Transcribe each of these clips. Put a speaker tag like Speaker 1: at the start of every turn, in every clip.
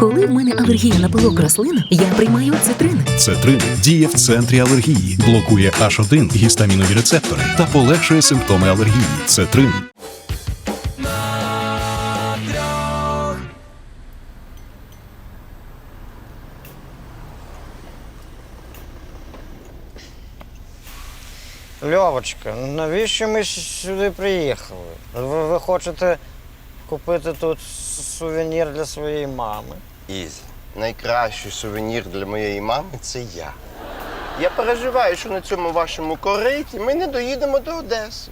Speaker 1: Коли в мене алергія на пилок рослин, я приймаю цитрин.
Speaker 2: Цетрин діє в центрі алергії, блокує H1 гістамінові рецептори та полегшує симптоми алергії. Цетрин.
Speaker 3: Льовочка, навіщо ми сюди приїхали? Ви хочете купити тут сувенір для своєї мами?
Speaker 4: Ізі, найкращий сувенір для моєї мами – це я. Я переживаю, що на цьому вашому кориті ми не доїдемо до Одеси.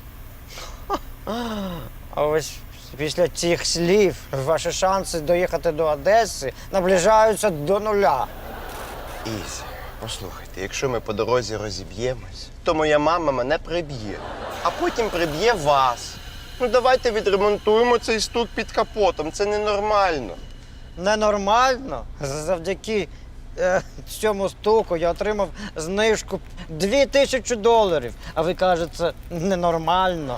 Speaker 3: А ось після цих слів ваші шанси доїхати до Одеси наближаються до нуля.
Speaker 4: Ізі, послухайте, якщо ми по дорозі розіб'ємось, то моя мама мене приб'є, а потім приб'є вас. Ну давайте відремонтуємо цей стук під капотом, це ненормально.
Speaker 3: Ненормально? Завдяки цьому стуку я отримав знижку $2000. А ви кажете, ненормально.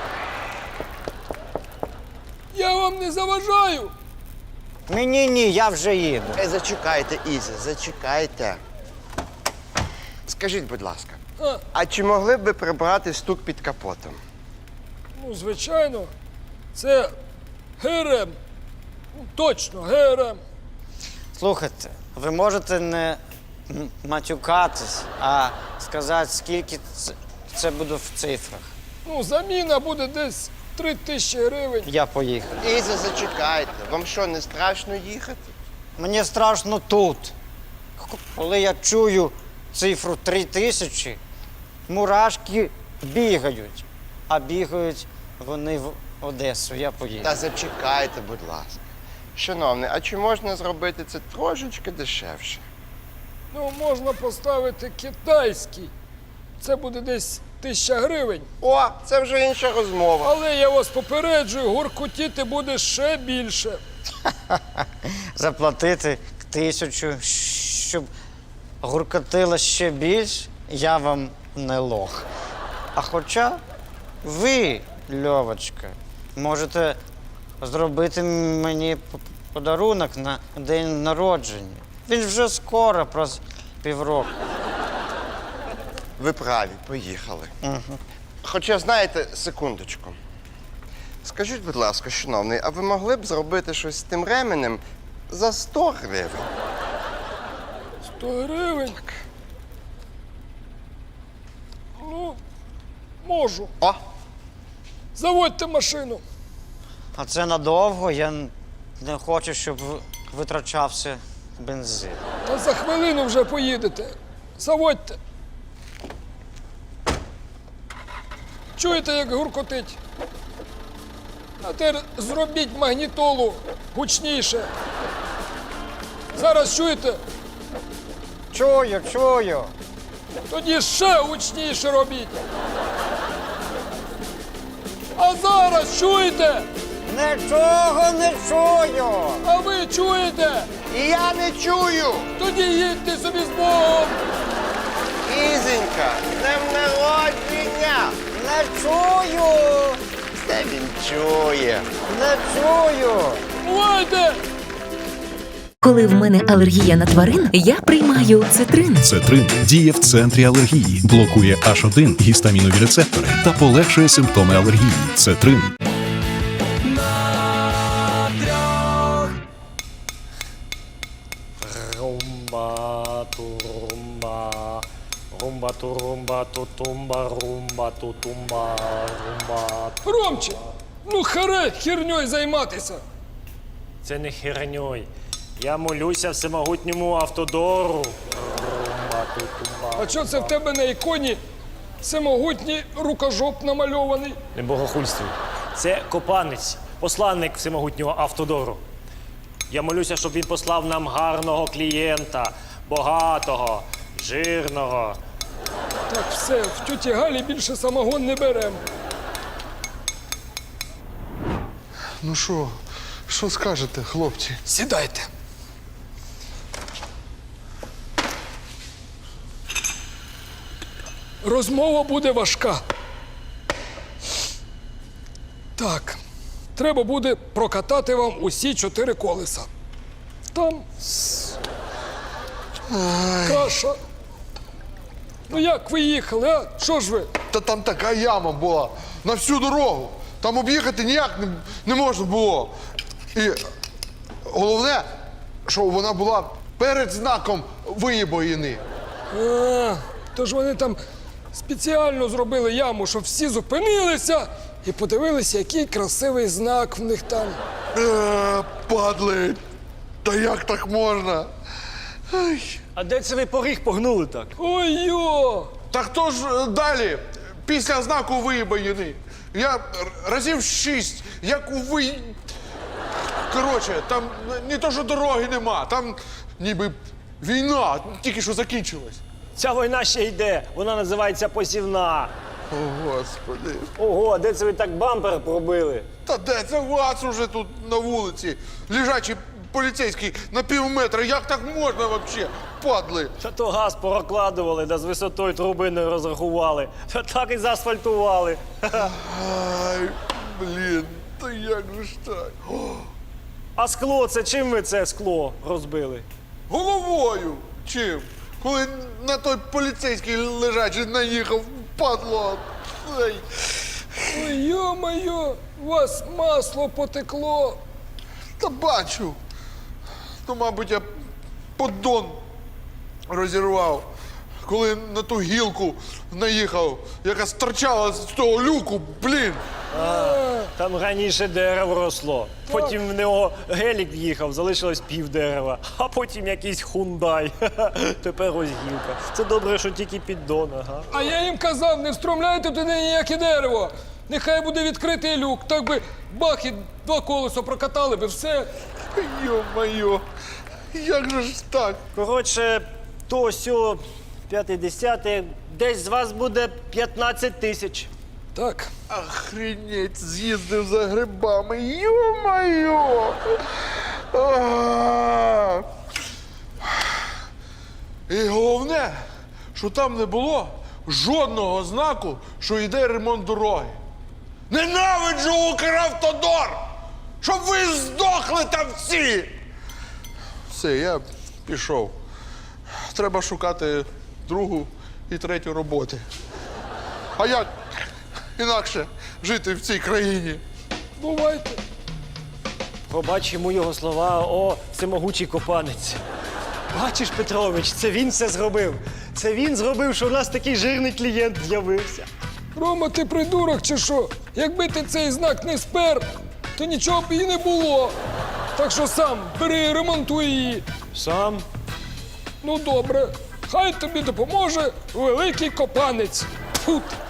Speaker 5: Я вам не заважаю.
Speaker 3: Ні, я вже їду.
Speaker 4: Зачекайте, Ізі, зачекайте. Скажіть, будь ласка,
Speaker 5: А,
Speaker 4: а чи могли б ви прибрати стук під капотом?
Speaker 5: ну, звичайно, це ГРМ. Ну, точно, ГРМ.
Speaker 3: Слухайте, ви можете не матюкатись, а сказати, скільки це буде в цифрах.
Speaker 5: Ну, заміна буде десь 3000 гривень.
Speaker 3: Я поїхав.
Speaker 4: Ізі, зачекайте. Вам що, не страшно їхати?
Speaker 3: Мені страшно тут. Коли я чую цифру 3000, мурашки бігають. А бігають вони в Одесу. Я поїду.
Speaker 4: Та зачекайте, будь ласка. Шановний, а чи можна зробити це трошечки дешевше?
Speaker 5: Ну, можна поставити китайський. Це буде десь 1000 гривень.
Speaker 4: О, це вже інша розмова.
Speaker 5: Але я вас попереджую, гуркотіти буде ще більше.
Speaker 3: Заплатити 1000, щоб гуркотило ще більш, я вам не лох. А хоча ви, Льовочка, можете зробити мені подарунок на день народження. Він вже скоро, про півроку.
Speaker 4: Ви праві, поїхали. Хоча, знаєте, секундочку. Скажіть, будь ласка, шановний, а ви могли б зробити щось з тим ременем за 100 гривень?
Speaker 5: 100 гривень? Ну, можу.
Speaker 4: О,
Speaker 5: Заводьте машину.
Speaker 3: А це надовго, я не хочу, щоб витрачався бензин.
Speaker 5: Та за хвилину вже поїдете. Заводьте. Чуєте, як гуркотить? А тепер зробіть магнітолу гучніше. Зараз чуєте?
Speaker 3: Чую.
Speaker 5: Тоді ще гучніше робіть. А зараз чуєте?
Speaker 3: Нічого не чую.
Speaker 5: А ви чуєте?
Speaker 4: я не чую!
Speaker 5: Тоді їдьте собі з Богом.
Speaker 4: Ізенька, з днем народження!
Speaker 3: Не чую.
Speaker 4: Це він чує.
Speaker 3: Не чую.
Speaker 5: Бувайте!
Speaker 1: Коли в мене алергія на тварин, я приймаю цитрин.
Speaker 2: Цетрин діє в центрі алергії, блокує H1 гістамінові рецептори та полегшує симптоми алергії. Цетрин.
Speaker 6: Румба, турумба, румба, турумба, тутумба, румба, тутумба, румба.
Speaker 5: Громче! Ну харе херньою займатися.
Speaker 6: Це не херньой. Я молюся всемогутньому автодору. Румба, тутумба.
Speaker 5: А що це в тебе на іконі всемогутній рукожоп намальований?
Speaker 6: Не богохульствуй. Це Копанець, посланник всемогутнього автодору. Я молюся, щоб він послав нам гарного клієнта, багатого, жирного.
Speaker 5: Так, все, в тьоті Галі більше самогон не беремо.
Speaker 7: Ну що скажете, хлопці?
Speaker 5: Сідайте. Розмова буде важка. Так, треба буде прокатати вам усі 4 колеса. Там каша. Ну як ви їхали, а? Що ж ви?
Speaker 7: Та там така яма була на всю дорогу. Там об'їхати ніяк не можна було. І головне, що вона була перед знаком виїбоїни.
Speaker 5: Тож вони там спеціально зробили яму, щоб всі зупинилися і подивилися, який красивий знак в них там.
Speaker 7: Падли. Та як так можна? Ай.
Speaker 6: А де це ви поріг погнули так?
Speaker 5: Ой-йо!
Speaker 7: Та хто ж далі, після знаку виїбоїни? Я разів 6, як у Коротше, там не то, що дороги нема, там ніби війна тільки що закінчилась.
Speaker 6: Ця війна ще йде, вона називається посівна.
Speaker 7: О, Господи.
Speaker 6: Ого, а де це ви так бампер пробили?
Speaker 7: Та де це вас уже тут на вулиці? Лежачий поліцейський на півметра. Як так можна взагалі? Падли.
Speaker 6: Та то газ прокладували, да з висотою труби не розрахували. Та так і заасфальтували.
Speaker 7: Ай, блін, та як же ж так? О,
Speaker 6: А скло, це чим ви це скло розбили?
Speaker 7: головою. Чим? Коли на той поліцейський лежачий наїхав, падло. Ай.
Speaker 5: Ой, йо-моє, у вас масло потекло.
Speaker 7: Та бачу. Ну, мабуть, я поддон розірвав, коли на ту гілку наїхав, яка стирчала з того люку, блін.
Speaker 6: Там раніше дерево росло. Потім в нього гелік в'їхав, залишилось пів дерева. А потім якийсь хундай. Тепер ось гілка. Це добре, що тільки піддон, ага.
Speaker 5: А я їм казав, не встромляйте туди ніяке дерево. Нехай буде відкритий люк, так би бах і 2 колеса прокатали би, все.
Speaker 7: Йо-моє, як же ж так?
Speaker 6: Коротше, то сьо 50, десь з вас буде 15 тисяч.
Speaker 5: Так,
Speaker 7: Охренеть, з'їздив за грибами, йо-моє! А! І головне, що там не було жодного знаку, що йде ремонт дороги. Ненавиджу Укравтодор! Щоб ви здохли там всі! Все, я пішов. Треба шукати другу і третю роботи. А як інакше жити в цій країні?
Speaker 5: бувайте.
Speaker 6: Пробач йому його слова, о, всемогучий копанець. Бачиш, Петрович, це він все зробив. Це він зробив, що в нас такий жирний клієнт з'явився.
Speaker 5: Рома, ти придурок чи що? Якби ти цей знак не спер, то нічого б і не було. Так що сам бери і ремонтуй її.
Speaker 6: Сам?
Speaker 5: Ну добре, хай тобі допоможе великий копанець. Тьфу ти.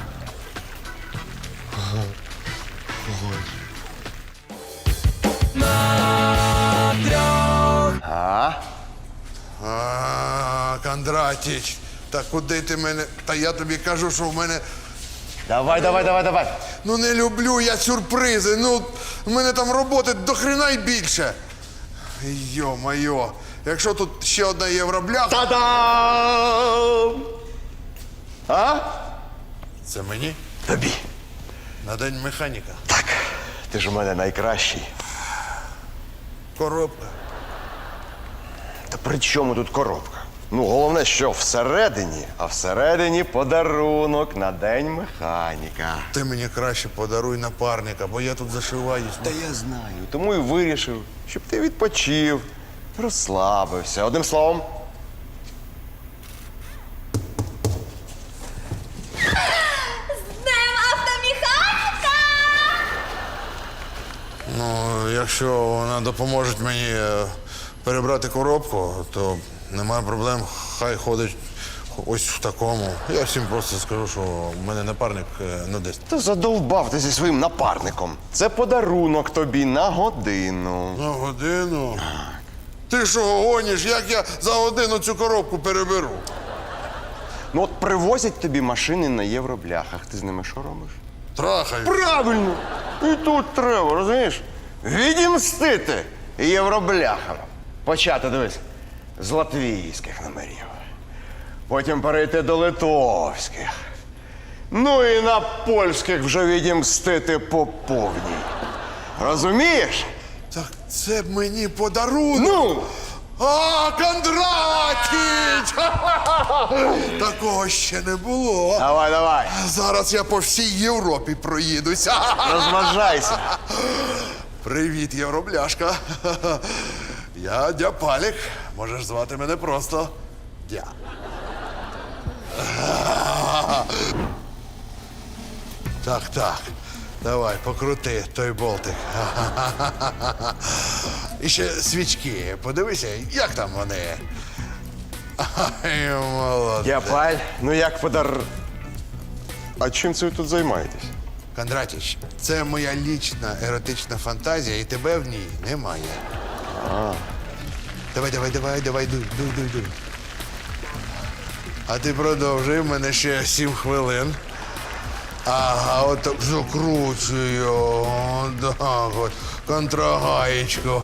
Speaker 7: Кондратіч, та куди ти мене? Та я тобі кажу, що в мене.
Speaker 4: Давай.
Speaker 7: Ну не люблю я сюрпризи. Ну, в мене там роботи до хрена й більше. Йо-моє, якщо тут ще одна євробляха.
Speaker 4: Та-дам! А?
Speaker 7: Це мені?
Speaker 4: Тобі.
Speaker 7: На день механіка.
Speaker 4: Так, ти ж у мене найкращий.
Speaker 7: Коробка.
Speaker 4: Та при чому тут коробка? Ну, головне, що всередині, а всередині подарунок на день механіка.
Speaker 7: Ти мені краще подаруй напарника, бо я тут зашиваюсь.
Speaker 4: Та я знаю, тому і вирішив, щоб ти відпочив, розслабився. Одним словом.
Speaker 8: Днем автомеханіка!
Speaker 7: Ну, якщо вона допоможе мені перебрати коробку, то немає проблем, хай ходить ось в такому. Я всім просто скажу, що в мене напарник не десь.
Speaker 4: Та задовбав ти зі своїм напарником. Це подарунок тобі на годину.
Speaker 7: На годину? Ти що гониш, як я за годину цю коробку переберу?
Speaker 4: Ну от привозять тобі машини на євробляхах. Ти з ними що робиш?
Speaker 7: Трахаю.
Speaker 4: Правильно! І тут треба, розумієш? Відімстити євробляхам. Почати, дивись, з латвійських номерів. Потім перейти до литовських. Ну і на польських вже відімстити по повній. Розумієш?
Speaker 7: Так, Це б мені подарунок.
Speaker 4: Ну!
Speaker 7: А, Кондратіч! Такого ще не було.
Speaker 4: Давай, давай,
Speaker 7: Зараз я по всій Європі проїдуся.
Speaker 4: розважайся.
Speaker 7: Привіт, євробляшка. Я Дяпалік. Можеш звати мене просто Дя. Так. Давай, покрути той болтик. І ще свічки. Подивися, як там вони. Ай, молодець.
Speaker 4: Дяпаль, ну як А чим це ви тут займаєтесь?
Speaker 7: Кондратіч, це моя лічна еротична фантазія, і тебе в ній немає. Давай, дуй. А ти продовжуй, в мене ще 7 хвилин. Ага, от так закручую. Так от, контрагаєчку.